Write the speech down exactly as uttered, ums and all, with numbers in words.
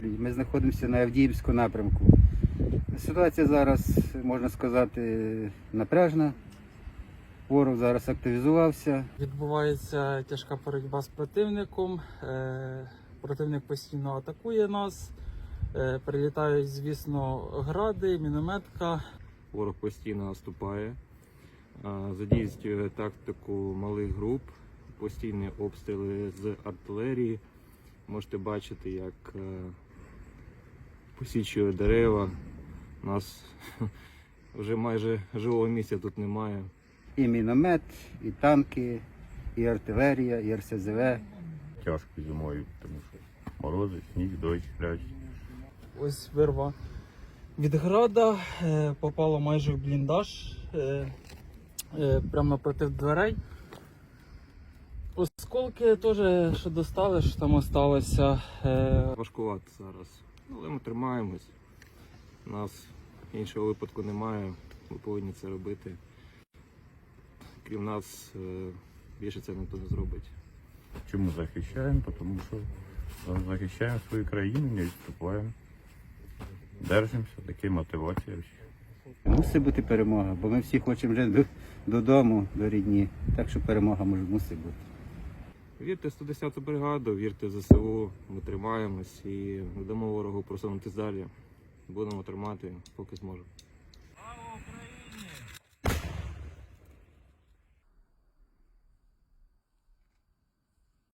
Тернополі. Ми знаходимося на Авдіївському напрямку. Ситуація зараз, можна сказати, напряжна. Ворог зараз активізувався. Відбувається тяжка боротьба з противником. Е, Противник постійно атакує нас. Е, Прилітають, звісно, гради, мінометка. Ворог постійно наступає, задійствує тактику малих груп, постійні обстріли з артилерії. Можете бачити, як посічує дерева. У нас вже майже живого місця тут немає. І міномет, і танки, і артилерія, і ер ес зе ве. Тяжко зимою, тому що морози, сніг, дощ, грязь. Ось вирва від града, е, попала майже в бліндаж, е, е, прямо напроти дверей. Осколки теж, що достали, що там осталося. Е, Важкувато зараз, але ми тримаємось. У нас іншого випадку немає, ми повинні це робити. Крім нас, більше це ніхто не зробить. Чому захищаємо? Тому що захищаємо свою країну, не відступаємо. Держимося, такі мотивація. Мусить бути перемога, бо ми всі хочемо вже до- додому, до рідні. Так що перемога може мусить бути. Вірте в сто десяту бригаду, вірте в зе се у, ми тримаємось і не дамо ворогу просунутися далі. Будемо тримати, поки зможемо.